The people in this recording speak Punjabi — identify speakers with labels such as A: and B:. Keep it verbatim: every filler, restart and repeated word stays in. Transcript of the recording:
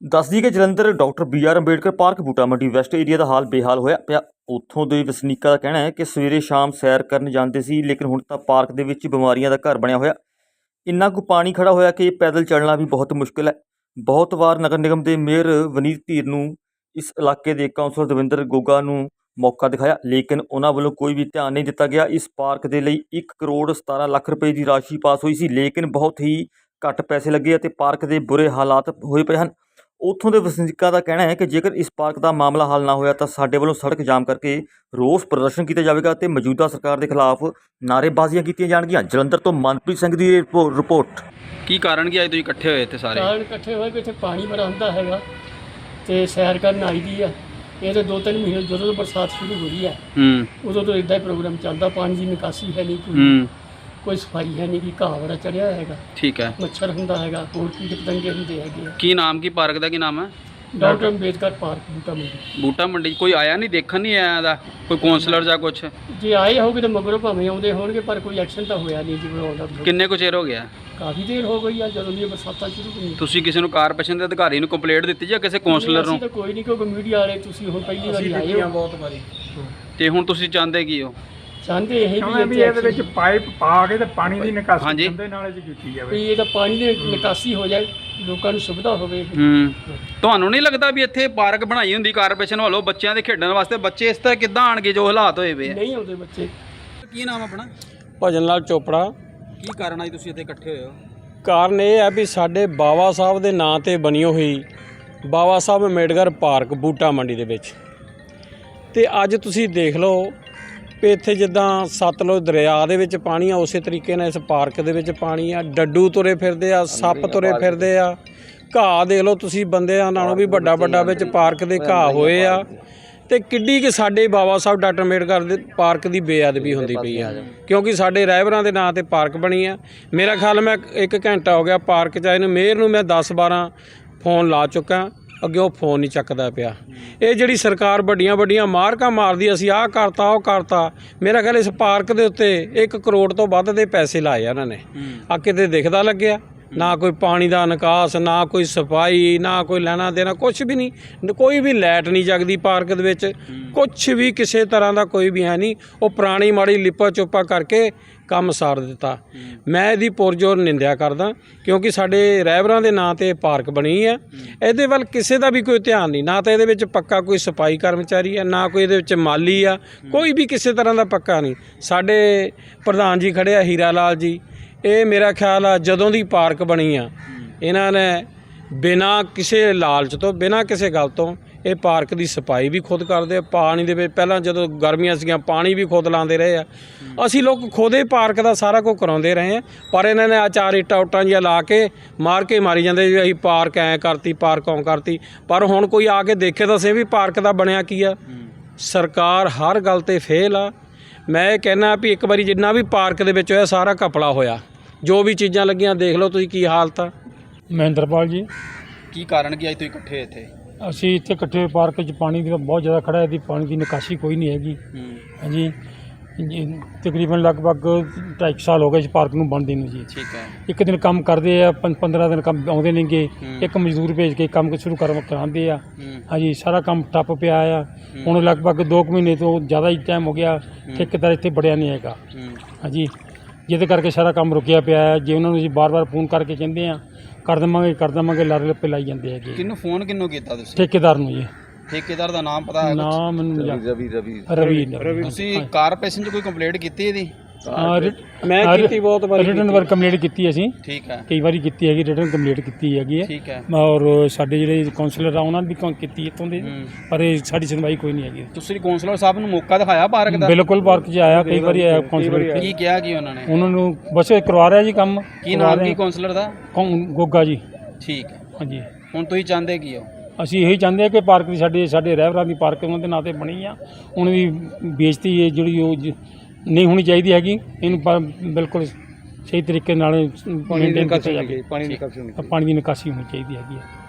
A: ਦੱਸ ਦਈਏ ਕਿ Jalandhar doctor B R Ambedkar park Buta Mandi west area ਦਾ ਹਾਲ ਬੇਹਾਲ ਹੋਇਆ ਪਿਆ। ਉੱਥੋਂ ਦੇ ਵਸਨੀਕਾਂ ਦਾ ਕਹਿਣਾ ਹੈ ਕਿ ਸਵੇਰੇ ਸ਼ਾਮ ਸੈਰ ਕਰਨ ਜਾਂਦੇ ਸੀ, ਲੇਕਿਨ ਹੁਣ ਤਾਂ ਪਾਰਕ ਦੇ ਵਿੱਚ ਬਿਮਾਰੀਆਂ ਦਾ ਘਰ ਬਣਿਆ ਹੋਇਆ। ਇੰਨਾ ਕੁ ਪਾਣੀ ਖੜਾ ਹੋਇਆ ਕਿ ਪੈਦਲ ਚੱਲਣਾ ਵੀ ਬਹੁਤ ਮੁਸ਼ਕਿਲ ਹੈ। ਬਹੁਤ ਵਾਰ ਨਗਰ ਨਿਗਮ ਦੇ ਮੇਅਰ ਵਨੀਤ ਧੀਰ ਨੂੰ ਇਸ ਇਲਾਕੇ ਦੇ ਕਾਉਂਸਲਰ ਦਵਿੰਦਰ ਗੋਗਾ ਨੂੰ ਮੌਕਾ ਦਿਖਾਇਆ, ਲੇਕਿਨ ਉਹਨਾਂ ਵੱਲੋਂ ਕੋਈ ਵੀ ਧਿਆਨ ਨਹੀਂ ਦਿੱਤਾ ਗਿਆ। ਇਸ ਪਾਰਕ ਦੇ ਲਈ ਇੱਕ ਕਰੋੜ ਸਤਾਰਾਂ ਲੱਖ ਰੁਪਏ ਦੀ ਰਾਸ਼ੀ ਪਾਸ ਹੋਈ ਸੀ, ਲੇਕਿਨ ਬਹੁਤ ਹੀ ਘੱਟ ਪੈਸੇ ਲੱਗੇ ਅਤੇ ਪਾਰਕ ਦੇ ਬੁਰੇ ਹਾਲਾਤ ਹੋਏ ਪਏ ਹਨ। ਉੱਥੋਂ ਦੇ ਵਸਨੀਕਾਂ ਦਾ ਕਹਿਣਾ ਹੈ ਕਿ ਜੇਕਰ ਇਸ ਪਾਰਕ ਦਾ ਮਾਮਲਾ ਹੱਲ ਨਾ ਹੋਇਆ ਤਾਂ ਸਾਡੇ ਵੱਲੋਂ ਸੜਕ ਜਾਮ ਕਰਕੇ ਰੋਸ ਪ੍ਰਦਰਸ਼ਨ ਕੀਤਾ ਜਾਵੇਗਾ ਅਤੇ ਮੌਜੂਦਾ ਸਰਕਾਰ ਦੇ ਖਿਲਾਫ ਨਾਅਰੇਬਾਜ਼ੀਆਂ ਕੀਤੀਆਂ ਜਾਣਗੀਆਂ। ਜਲੰਧਰ ਤੋਂ ਮਨਪ੍ਰੀਤ ਸਿੰਘ ਦੀ ਰਿਪੋ- ਰਿਪੋਰਟ।
B: ਕੀ ਕਾਰਨ ਕੀ ਅੱਜ ਤੁਸੀਂ ਇਕੱਠੇ ਹੋਏ ਇੱਥੇ ਸਾਰੇ?
C: ਕਾਰਨ ਇਕੱਠੇ ਹੋਏ ਕਿ ਇੱਥੇ ਪਾਣੀ ਬੜਾ ਹੁੰਦਾ ਹੈਗਾ ਤੇ ਸੈਰ ਕਰਨ ਆਈ ਦੀ ਆ। ਇਹ ਤਾਂ ਦੋ ਤਿੰਨ ਮਹੀਨੇ ਜਦੋਂ ਤੋਂ ਬਰਸਾਤ ਸ਼ੁਰੂ ਹੋਈ ਹੈ
B: ਹੂੰ
C: ਉਦੋਂ ਤੋਂ ਇੱਦਾਂ ਹੀ ਪ੍ਰੋਗਰਾਮ ਚੱਲਦਾ। ਪਾਣੀ ਦੀ ਨਿਕਾਸੀ ਹੈ ਨਹੀਂ, ਕੋਈ
B: ਹੂੰ
C: ਕੋਈ ਸਫਾਈ ਹੈ ਨਹੀਂ, ਕਿ ਘਾਹ ਬੜਾ ਚੜਿਆ ਹੈਗਾ,
B: ਠੀਕ ਹੈ।
C: ਮੱਛਰ ਹੁੰਦਾ ਹੈਗਾ, ਹੋਰ ਕੀਟ ਪਤੰਗੇ ਹੁੰਦੇ ਹੈਗੇ ਆ।
B: ਕੀ ਨਾਮ ਕੀ ਪਾਰਕ ਦਾ ਕੀ ਨਾਮ ਹੈ?
C: ਡਾਕਟਰ ਅੰਬੇਦਕਰ ਪਾਰਕ ਬੂਟਾ ਮੰਡੀ।
B: ਬੂਟਾ ਮੰਡੀ 'ਚ ਕੋਈ ਆਇਆ ਨਹੀਂ, ਦੇਖਣ ਨਹੀਂ ਆਇਆ ਦਾ ਕੋਈ ਕਾਉਂਸਲਰ ਜਾਂ ਕੁਛ?
C: ਜੇ ਆਏ ਹੋਗੇ ਤਾਂ ਮਗਰੋਂ ਭਾਵੇਂ ਆਉਂਦੇ ਹੋਣਗੇ, ਪਰ ਕੋਈ ਐਕਸ਼ਨ ਤਾਂ ਹੋਇਆ ਨਹੀਂ ਜੀ ਬਣਾਉਂਦਾ।
B: ਕਿੰਨੇ ਕੁ ਚਿਰ ਹੋ ਗਿਆ?
C: ਕਾਫੀ ਦੇਰ ਹੋ ਗਈ ਆ ਜਦੋਂ ਦੀਆਂ ਬਰਸਾਤਾਂ ਸ਼ੁਰੂ ਹੋਈਆਂ।
B: ਤੁਸੀਂ ਕਿਸੇ ਨੂੰ ਕਾਰਪੋਰੇਸ਼ਨ ਦੇ ਅਧਿਕਾਰੀ ਨੂੰ ਕੰਪਲੇਂਟ ਦਿੱਤੀ ਜਾਂ ਕਿਸੇ ਕਾਉਂਸਲਰ
C: ਅਸੀਂ
B: ਨੂੰ?
C: ਤਾਂ ਕੋਈ ਨਹੀਂ, ਕਿਉਂਕਿ ਮੀਡੀਆ ਵਾਲੇ ਤੁਸੀਂ ਹੁਣ ਪਹਿਲੀ ਵਾਰੀ ਆਏ ਹੋ ਬਹੁਤ ਵਾਰੀ।
B: ਤੇ ਹੁਣ ਤੁਸੀਂ ਚਾਹੁੰਦੇ ਕੀ ਹੋ?
C: ਚਾਹੁੰਦੇ ਇਹ
D: ਚਾਹੁੰਦੇ ਵੀ
C: ਵੀ
D: ਇਹਦੇ ਵਿੱਚ ਪਾਈਪ ਪਾ ਕੇ ਤੇ ਪਾਣੀ ਦੀ ਨਿਕਾਸੀ
B: ਹਾਂਜੀ।
D: ਗੰਦੇ ਨਾਲੇ 'ਚ ਕੀਤੀ ਜਾਵੇ।
C: ਵੀ ਇਹਦਾ ਪਾਣੀ ਦੀ ਨਿਕਾਸੀ ਹੋ ਜਾਏ, ਲੋਕਾਂ ਨੂੰ ਸੁਵਿਧਾ ਹੋਵੇ।
B: ਹੂੰ ਤੁਹਾਨੂੰ ਨਹੀਂ ਲੱਗਦਾ ਵੀ ਇੱਥੇ ਪਾਰਕ ਬਣਾਈ ਹੁੰਦੀ ਕਾਰਪੋਰੇਸ਼ਨ ਵੱਲੋਂ ਬੱਚਿਆਂ ਦੇ ਖੇਡਣ ਵਾਸਤੇ? ਬੱਚੇ ਇਸ ਤਰ੍ਹਾਂ ਕਿੱਦਾਂ ਆਣਗੇ ਜੋ ਹਾਲਾਤ ਹੋਏ ਵੇ ਆ?
C: ਨਹੀਂ ਆਉਂਦੇ ਬੱਚੇ।
B: ਕੀ ਨਾਮ ਆਪਣਾ?
E: ਭਜਨ ਲਾਲ ਚੋਪੜਾ।
B: ਕੀ ਕਾਰਨ ਅੱਜ ਤੁਸੀਂ ਇੱਥੇ ਇਕੱਠੇ ਹੋਏ ਹੋ?
E: ਕਾਰਨ ਇਹ ਹੈ ਵੀ ਸਾਡੇ ਬਾਬਾ ਸਾਹਿਬ ਦੇ ਨਾਂ ਤੇ ਬਣੀ ਹੋਈ ਬਾਬਾ ਸਾਹਿਬ ਅੰਬੇਡਕਰ ਪਾਰਕ ਬੂਟਾ ਮੰਡੀ ਦੇ ਵਿੱਚ, ਤੇ ਅੱਜ ਤੁਸੀਂ ਦੇਖ ਲਓ ਵੀ ਇੱਥੇ ਜਿੱਦਾਂ ਸਤਲੁਜ ਦਰਿਆ ਦੇ ਵਿੱਚ ਪਾਣੀ ਆ, ਉਸੇ ਤਰੀਕੇ ਨਾਲ ਇਸ ਪਾਰਕ ਦੇ ਵਿੱਚ ਪਾਣੀ ਆ। ਡੱਡੂ ਤੁਰੇ ਫਿਰਦੇ ਆ, ਸੱਪ ਤੁਰੇ ਫਿਰਦੇ ਆ, ਘਾਹ ਦੇਖ ਲਓ ਤੁਸੀਂ, ਬੰਦਿਆਂ ਨਾਲੋਂ ਵੀ ਵੱਡਾ ਵੱਡਾ ਵਿੱਚ ਪਾਰਕ ਦੇ ਘਾਹ ਹੋਏ ਆ। ਤੇ ਕਿੱਡੀ ਕਿ ਸਾਡੇ ਬਾਬਾ ਸਾਹਿਬ ਡਾਕਟਰ ਅੰਬੇਡਕਰ ਦੇ ਪਾਰਕ ਦੀ ਬੇਅਦਬੀ ਹੁੰਦੀ ਪਈ ਆ, ਕਿਉਂਕਿ ਸਾਡੇ ਰਹਿਬਰਾਂ ਦੇ ਨਾਂ ਤੇ ਪਾਰਕ ਬਣੀ ਆ। ਮੇਰਾ ਖਿਆਲ ਮੈਂ ਇੱਕ ਘੰਟਾ ਹੋ ਗਿਆ ਪਾਰਕ 'ਚ ਆਏ ਨੂੰ, ਮੇਅਰ ਨੂੰ ਮੈਂ ਦਸ ਬਾਰਾਂ ਫੋਨ ਲਾ ਚੁੱਕਾ, ਅੱਗੇ ਉਹ ਫੋਨ ਨਹੀਂ ਚੱਕਦਾ ਪਿਆ। ਇਹ ਜਿਹੜੀ ਸਰਕਾਰ ਵੱਡੀਆਂ ਵੱਡੀਆਂ ਮਾਰਕਾਂ ਮਾਰਦੀ, ਅਸੀਂ ਆਹ ਕਰਤਾ ਉਹ ਕਰਤਾ। ਮੇਰਾ ਖਿਆਲ ਇਸ ਪਾਰਕ ਦੇ ਉੱਤੇ ਇੱਕ ਕਰੋੜ ਤੋਂ ਵੱਧ ਦੇ ਪੈਸੇ ਲਾਏ ਆ ਉਹਨਾਂ ਨੇ। ਆ ਕਿਤੇ ਦਿਖਦਾ ਲੱਗਿਆ? ਨਾ ਕੋਈ ਪਾਣੀ ਦਾ ਨਿਕਾਸ, ਨਾ ਕੋਈ ਸਫਾਈ, ਨਾ ਕੋਈ ਲੈਣਾ ਦੇਣਾ, ਕੁਛ ਵੀ ਨਹੀਂ। ਕੋਈ ਵੀ ਲਾਈਟ ਨਹੀਂ ਜਗਦੀ ਪਾਰਕ ਦੇ ਵਿੱਚ, ਕੁਛ ਵੀ ਕਿਸੇ ਤਰ੍ਹਾਂ ਦਾ ਕੋਈ ਵੀ ਹੈ ਨਹੀਂ। ਉਹ ਪੁਰਾਣੀ ਮਾੜੀ ਲਿਪਾ ਚੋਪਾ ਕਰਕੇ ਕੰਮ ਸਾਰ ਦਿੱਤਾ। ਮੈਂ ਇਹਦੀ ਪੁਰਜੋਰ ਨਿੰਦਿਆ ਕਰਦਾ, ਕਿਉਂਕਿ ਸਾਡੇ ਰਹਿਬਰਾਂ ਦੇ ਨਾਂ ਤੇ ਪਾਰਕ ਬਣੀ ਹੈ। ਇਹਦੇ ਵੱਲ ਕਿਸੇ ਦਾ ਵੀ ਕੋਈ ਧਿਆਨ ਨਹੀਂ, ਨਾ ਤਾਂ ਇਹਦੇ ਵਿੱਚ ਪੱਕਾ ਕੋਈ ਸਫਾਈ ਕਰਮਚਾਰੀ ਹੈ, ਨਾ ਕੋਈ ਇਹਦੇ ਵਿੱਚ ਮਾਲੀ ਆ, ਕੋਈ ਵੀ ਕਿਸੇ ਤਰ੍ਹਾਂ ਦਾ ਪੱਕਾ ਨਹੀਂ। ਸਾਡੇ ਪ੍ਰਧਾਨ ਜੀ ਖੜ੍ਹੇ ਆ ਹੀਰਾ ਲਾਲ ਜੀ, ਇਹ ਮੇਰਾ ਖਿਆਲ ਆ ਜਦੋਂ ਦੀ ਪਾਰਕ ਬਣੀ ਆ ਇਹਨਾਂ ਨੇ ਬਿਨਾਂ ਕਿਸੇ ਲਾਲਚ ਤੋਂ, ਬਿਨਾਂ ਕਿਸੇ ਗੱਲ ਤੋਂ ਇਹ ਪਾਰਕ ਦੀ ਸਫਾਈ ਵੀ ਖੁਦ ਕਰਦੇ ਆ। ਪਾਣੀ ਦੇ ਵਿੱਚ ਪਹਿਲਾਂ ਜਦੋਂ ਗਰਮੀਆਂ ਸੀਗੀਆਂ ਪਾਣੀ ਵੀ ਖੁਦ ਲਾਉਂਦੇ ਰਹੇ ਆ। ਅਸੀਂ ਲੋਕ ਖੁਦੇ ਪਾਰਕ ਦਾ ਸਾਰਾ ਕੁਝ ਕਰਾਉਂਦੇ ਰਹੇ ਆ, ਪਰ ਇਹਨਾਂ ਨੇ ਆ ਚਾਰ ਇੱਟਾਂ ਉੱਟਾਂ ਜਿਹੀਆਂ ਲਾ ਕੇ ਮਾਰ ਕੇ ਮਾਰੀ ਜਾਂਦੇ ਵੀ ਅਸੀਂ ਪਾਰਕ ਐਂ ਕਰਤੀ, ਪਾਰਕ ਓਂ ਕਰਤੀ। ਪਰ ਹੁਣ ਕੋਈ ਆ ਕੇ ਦੇਖੇ ਤਾਂ ਸੇ ਵੀ ਪਾਰਕ ਦਾ ਬਣਿਆ ਕੀ ਆ। ਸਰਕਾਰ ਹਰ ਗੱਲ 'ਤੇ ਫੇਲ ਆ। ਮੈਂ ਇਹ ਕਹਿਣਾ ਵੀ ਇੱਕ ਵਾਰੀ ਜਿੰਨਾ ਵੀ ਪਾਰਕ ਦੇ ਵਿੱਚ ਹੋਇਆ ਸਾਰਾ ਘਪਲਾ ਹੋਇਆ। ਜੋ ਵੀ ਚੀਜ਼ਾਂ ਲੱਗੀਆਂ ਦੇਖ ਲਓ ਤੁਸੀਂ ਕੀ ਹਾਲਤ ਆ।
D: ਮਹਿੰਦਰਪਾਲ ਜੀ,
B: ਕੀ ਕਾਰਨ ਕੀ ਅੱਜ ਤੁਸੀਂ ਇਕੱਠੇ ਇੱਥੇ?
D: ਅਸੀਂ ਇੱਥੇ ਇਕੱਠੇ ਹੋਏ ਪਾਰਕ 'ਚ ਪਾਣੀ ਦੀ ਬਹੁਤ ਜ਼ਿਆਦਾ ਖੜਾ ਹੈ, ਦੀ ਪਾਣੀ ਦੀ ਨਿਕਾਸੀ ਕੋਈ ਨਹੀਂ ਹੈਗੀ। ਹਾਂਜੀ, ਜੀ ਤਕਰੀਬਨ ਲਗਭਗ ਢਾਈ ਕੁ ਸਾਲ ਹੋ ਗਏ ਇਸ ਪਾਰਕ ਨੂੰ ਬਣਦੇ ਨੂੰ ਜੀ।
B: ਠੀਕ ਹੈ।
D: ਇੱਕ ਦਿਨ ਕੰਮ ਕਰਦੇ ਆ, ਪੰਦਰਾਂ ਦਿਨ ਕੰਮ ਆਉਂਦੇ ਨੇਗੇ, ਇੱਕ ਮਜ਼ਦੂਰ ਭੇਜ ਕੇ ਕੰਮ ਸ਼ੁਰੂ ਕਰ ਕਰਾਉਂਦੇ ਆ। ਹਾਂਜੀ, ਸਾਰਾ ਕੰਮ ਠੱਪ ਪਿਆ ਆ। ਹੁਣ ਲਗਭਗ ਦੋ ਕੁ ਮਹੀਨੇ ਤੋਂ ਜ਼ਿਆਦਾ ਹੀ ਟਾਈਮ ਹੋ ਗਿਆ, ਠੇਕੇਦਾਰ ਇੱਥੇ ਬੜਿਆ ਨਹੀਂ ਹੈਗਾ। ਹਾਂਜੀ, ਜਿਹਦੇ ਕਰਕੇ ਸਾਰਾ ਕੰਮ ਰੁਕਿਆ ਪਿਆ ਹੈ। ਜੇ ਉਹਨਾਂ ਨੂੰ ਅਸੀਂ ਬਾਰ ਬਾਰ ਫੋਨ ਕਰਕੇ ਕਹਿੰਦੇ ਆ ਕਰ ਦੇਵਾਂਗੇ ਕਰ ਦੇਵਾਂਗੇ, ਲਾਰੇ ਲੱਪੇ ਲਾਈ ਜਾਂਦੇ ਹੈਗੇ।
B: ਕਿਹਨੂੰ ਫੋਨ ਕਿਹਨੂੰ ਕੀਤਾ ਤੁਸੀਂ?
D: ਠੇਕੇਦਾਰ ਨੂੰ ਜੀ।
B: ਠੇਕੇਦਾਰ ਦਾ ਨਾਮ ਪਤਾ ਹੈ?
D: ਨਾਮ ਮੈਨੂੰ ਰਵੀ ਰਵੀ ਰਵੀ
B: ਤੁਸੀਂ ਕਾਰਪੋਰੇਸ਼ਨ 'ਚ ਕੋਈ ਕੰਪਲੇਂਟ ਕੀਤੀ ਇਹਦੀ?
E: ਮੈਂ ਕੀਤੀ ਬਹੁਤ ਵਾਰੀ,
D: ਰਿਟਨ ਵਰਕ ਕੰਪਲੀਟ ਕੀਤੀ ਅਸੀਂ
B: ਠੀਕ ਹੈ।
D: ਕਈ ਵਾਰੀ ਕੀਤੀ ਹੈਗੀ, ਰਿਟਨ ਕੰਪਲੀਟ ਕੀਤੀ ਹੈਗੀ ਹੈ।
B: ਠੀਕ ਹੈ।
D: ਔਰ ਸਾਡੇ ਜਿਹੜੇ ਕਾਉਂਸਲਰ ਆ ਉਹਨਾਂ ਨੇ ਵੀ ਕੀਤੀ ਇੱਥੋਂ ਦੇ, ਪਰ ਇਹ ਸਾਡੀ ਸੁਣਵਾਈ ਕੋਈ ਨਹੀਂ ਹੈਗੀ।
B: ਤੁਸੀਂ ਕਾਉਂਸਲਰ ਸਾਹਿਬ ਨੂੰ ਮੌਕਾ ਦਿਖਾਇਆ ਪਾਰਕ ਦਾ?
D: ਬਿਲਕੁਲ, ਪਾਰਕ 'ਚ ਆਇਆ ਕਈ ਵਾਰੀ ਆਇਆ ਕਾਉਂਸਲਰ।
B: ਕੀ ਕਿਹਾ ਕੀ ਉਹਨਾਂ ਨੇ?
D: ਉਹਨਾਂ ਨੂੰ ਬਸ ਕਰਵਾ ਰਿਹਾ ਜੀ ਕੰਮ।
B: ਕੀ ਨਾਮ ਕੀ ਕਾਉਂਸਲਰ ਦਾ?
D: ਗੋਗਾ ਜੀ।
B: ਠੀਕ ਹੈ।
D: ਹਾਂਜੀ,
B: ਹੁਣ ਤੁਸੀਂ ਚਾਹੁੰਦੇ ਕੀ ਹੋ?
D: ਅਸੀਂ ਇਹੀ ਚਾਹੁੰਦੇ ਹਾਂ ਕਿ ਪਾਰਕ ਦੀ ਸਾਡੇ ਸਾਡੇ ਰਹਿਬਰਾਂ ਦੀ ਪਾਰਕ ਉਹਨਾਂ ਦੇ ਨਾਂ 'ਤੇ ਬਣੀ ਆ, ਉਹਨਾਂ ਦੀ ਬੇਇੱਜ਼ਤੀ ਹੈ ਜਿਹੜੀ ਉਹ ਨਹੀਂ ਹੋਣੀ ਚਾਹੀਦੀ ਹੈਗੀ। ਇਹਨੂੰ ਬਿਲਕੁਲ ਸਹੀ ਤਰੀਕੇ ਨਾਲ ਮੇਨਟੇਨ ਕੀਤਾ ਜਾਵੇ। ਪਾਣੀ ਦੀ ਨਿਕਾਸੀ ਹੋਣੀ ਚਾਹੀਦੀ ਹੈਗੀ ਹੈ।